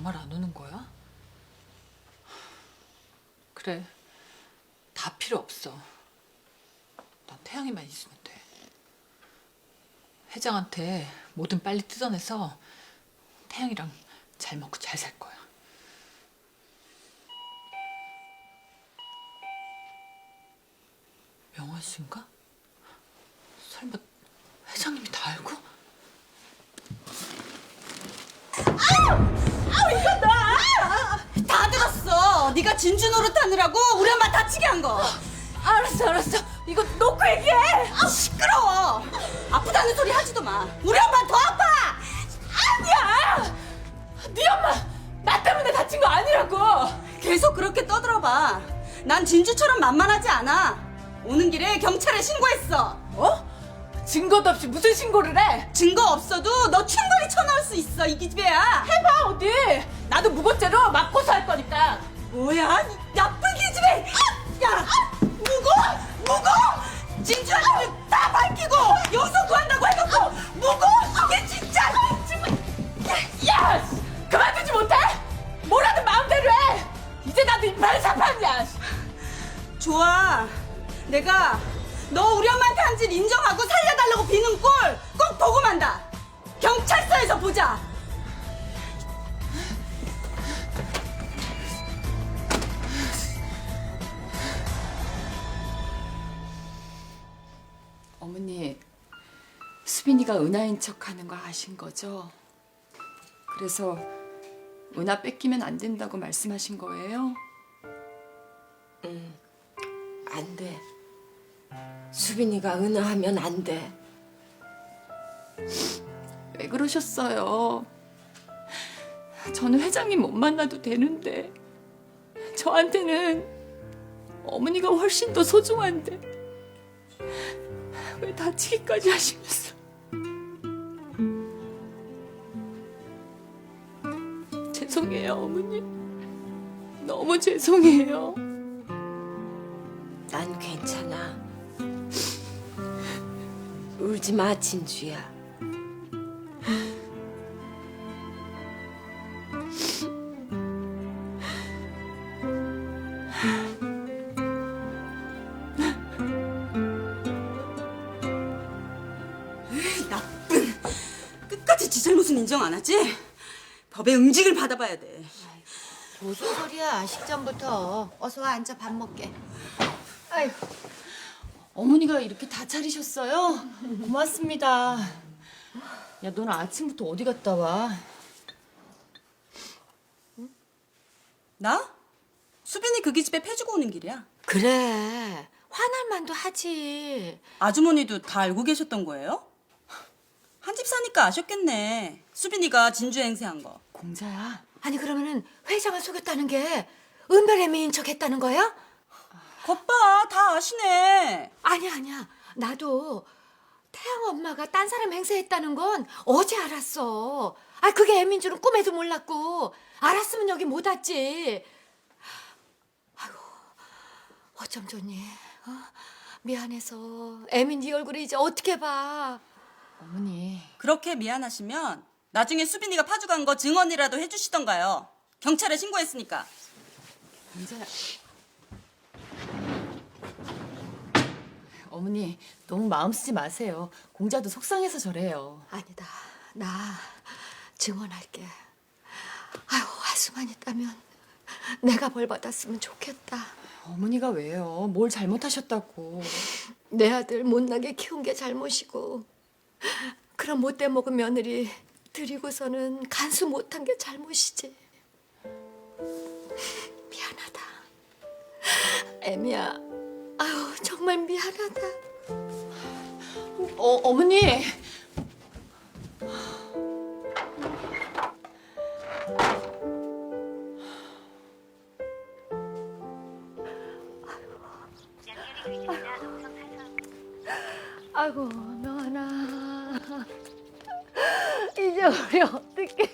정말 안 오는 거야? 그래, 다 필요 없어. 난 태양이만 있으면 돼. 회장한테 뭐든 빨리 뜯어내서 태양이랑 잘 먹고 잘 살 거야. 명화 씨인가? 설마 회장님이 다 알고? 이거 다 들었어. 네가 진주 노릇하느라고 우리 엄마 다치게 한 거. 알았어. 이거 놓고 얘기해. 시끄러워. 아프다는 소리 하지도 마. 우리 엄마 더 아파. 아니야. 네 엄마 나 때문에 다친 거 아니라고. 계속 그렇게 떠들어봐. 난 진주처럼 만만하지 않아. 오는 길에 경찰에 신고했어. 뭐? 증거도 없이 무슨 신고를 해? 증거 없어도 너 충분히 쳐넣을 수 있어, 이 기집애야. 해봐 어디. 나도 무고죄로 맞고서 할 거니까. 뭐야, 이 나쁜 기집애. 야, 무고? 진주한테 다 밝히고 용서 구한다고 해놓고 무고? 이게 진짜. 야, 그만두지 못해? 뭐라든 마음대로 해. 이제 나도 이빨을 사판이야. 좋아. 내가 너 우리 엄마한테 한 짓 인정하고 살려달라고 비는 꼴 꼭 보고 만다. 경찰서에서 보자. 어머니, 수빈이가 은하인 척하는 거 아신 거죠? 그래서 은하 뺏기면 안 된다고 말씀하신 거예요? 안 돼. 수빈이가 은하하면 안 돼. 왜 그러셨어요? 저는 회장님 못 만나도 되는데 저한테는 어머니가 훨씬 더 소중한데 왜 다치기까지 하시면서. 죄송해요, 어머니. 너무 죄송해요. 난 괜찮아. 울지 마, 진주야. 나쁜. 끝까지 지 잘못은 인정 안 하지? 법의 응징을 받아봐야 돼. 무슨 소리야? 식전부터. 어서 와 앉아 밥 먹게. 아이고, 어머니가 이렇게 다 차리셨어요? 고맙습니다. 야, 너는 아침부터 어디 갔다 와? 나? 수빈이 그 기집애 패주고 오는 길이야. 그래. 화날 만도 하지. 아주머니도 다 알고 계셨던 거예요? 한 집 사니까 아셨겠네. 수빈이가 진주 행세한 거. 공자야. 아니 그러면은 회장을 속였다는 게 은별의 미인 척 했다는 거야? 겉봐, 다 아시네. 아니야. 나도 태양 엄마가 딴 사람 행세했다는 건 어제 알았어. 아 그게 애민 줄은 꿈에도 몰랐고 알았으면 여기 못 왔지. 아이고 어쩜 좋니? 미안해서 애민 네 얼굴을 이제 어떻게 봐? 어머니. 그렇게 미안하시면 나중에 수빈이가 파주간 거 증언이라도 해주시던가요. 경찰에 신고했으니까. 공자야. 어머니, 너무 마음 쓰지 마세요. 공자도 속상해서 저래요. 아니다. 나 증언할게. 아유 화수만 있다면 내가 벌 받았으면 좋겠다. 어머니가 왜요? 뭘 잘못하셨다고. 내 아들 못나게 키운 게 잘못이고 그런 못돼 먹은 며느리 들이고서는 간수 못한 게 잘못이지. 미안하다. 애미야. 아유 정말 미안하다. 어머니. 아이고 명하나. 이제 우리 어떡해.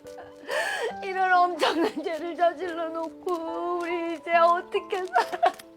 이런 엄청난 죄를 저질러 놓고 우리 이제 어떻게 살아.